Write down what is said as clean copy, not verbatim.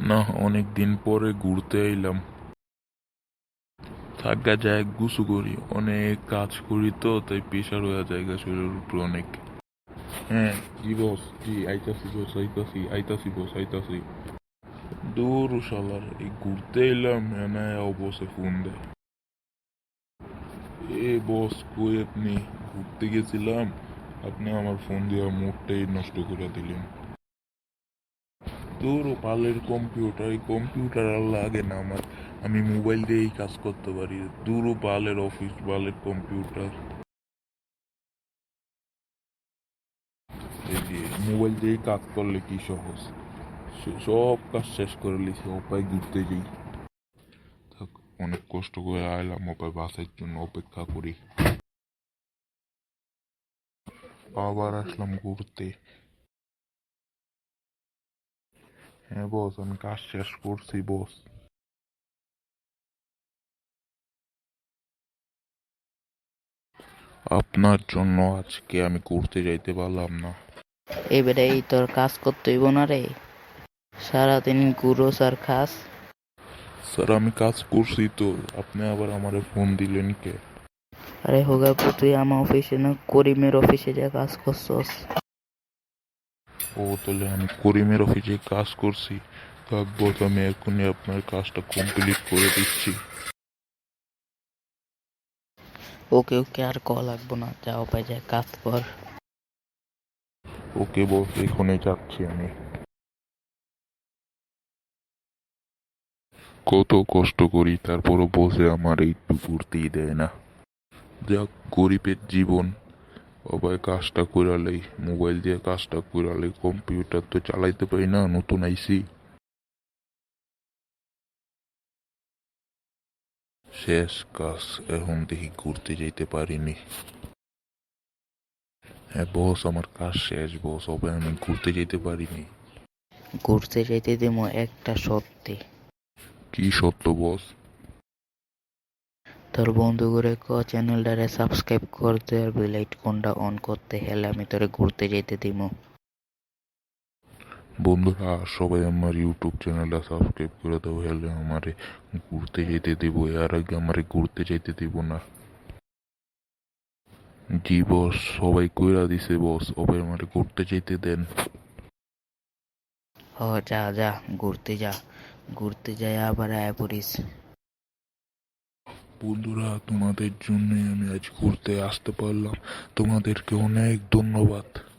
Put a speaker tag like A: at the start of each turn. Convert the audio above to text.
A: না, অনেকদিন পরে ঘুরতে এলাম। থাকা যায়, গুছু করি, অনেক কাজ করি তো তাই প্রেশার হয়ে যায় শরীরের উপর অনেক। হ্যাঁ, জি বস, জি আইতাছি বস, আইতাছি বস, আইতাছি। দূর শালার, এই ঘুরতে এলাম এনে অবশ্যই ফোন দেয়। এ বস, কই আপনি? ঘুরতে গেছিলাম, আপনি আমার ফোন দিয়ে মুডটাই নষ্ট করে দিলেন। তোর পালের কম্পিউটার, এই কম্পিউটার আর লাগে না আমার, আমি মোবাইল দিয়েই কাজ করতে পারি। দূর বালের অফিস, বালের কম্পিউটার। এই যে মোবাইল দিয়েই কাজ করলে কি সহজ, সব কাজ শেষ করে লিছি, অপায় ঘুরতে যাই। থাক, অনেক কষ্ট করে আইলাম, অপায় বাসের জন্য অপেক্ষা করি, আবার আসলাম ঘুরতে। হ্যাঁ বস, আমি কাজ শেষ করছি বস। আপনার জন্য আজকে আমি ঘুরতে যাইতে পারলাম না।
B: এবারে এই তোর কাজ করতে হইব না রে, সারাদিন ঘুরোস আর খাস।
A: স্যার, আমি কাজ করছি তো, আপনি আবার আমারে ফোন দিলেন কে?
B: আরে হোগাপু, তুই আমার অফিসে না করিমের অফিসে যা কাজ করছস।
A: ও, তাহলে আমি করিমের অফিসে কাজ করছি। থাক বস, আমি এখনই আপনার কাজটা কমপ্লিট করে দিচ্ছি।
B: ওকে ওকে, আর কল লাগবো না, যাও পাই যায় কাজ কর।
A: ওকে বস, এখনই যাচ্ছি আমি। কত কষ্ট করি, তারপরও বসে আমার একটু ঘুরতেই দেয় না। যাক, গরিবের জীবন। সবাই কাজটা করালেই, মোবাইল দিয়ে কাজটা করালে, কম্পিউটার তো চালাইতে পারি না, নতুন আইসি। শেষ কাজ, এখন দেখি ঘুরতে যেতে পারিনি। হ্যাঁ বস, আমার কাজ শেষ বস, হবে আমি ঘুরতে যেতে পারিনি।
B: ঘুরতে যাইতে দিমো একটা সত্যি।
A: কি সত্য বস?
B: তোর বন্ধু করে চ্যানেলটারে সাবস্ক্রাইব করতে আর বেল আইকনটা অন করতে, হেলে আমি তোরে ঘুরতে যেতে দিমু।
A: বন্ধুরা, সবাই আমার ইউটিউব চ্যানেলটা সাবস্ক্রাইব করে দাও, হলে আমারে ঘুরতে যেতে দিব, এর আগে আমারে ঘুরতে যেতে দিব না। জি বস, সবাই কইরা দিছে বস, সবাই আমারে ঘুরতে যেতে দেন।
B: হ, যা যা, ঘুরতে যা, ঘুরতে যাই আবার আয়া পড়িস।
A: বন্ধুরা, তোমাদের জন্যই আমি আজ ঘুরতে আসতে পারলাম, তোমাদেরকে অনেক ধন্যবাদ।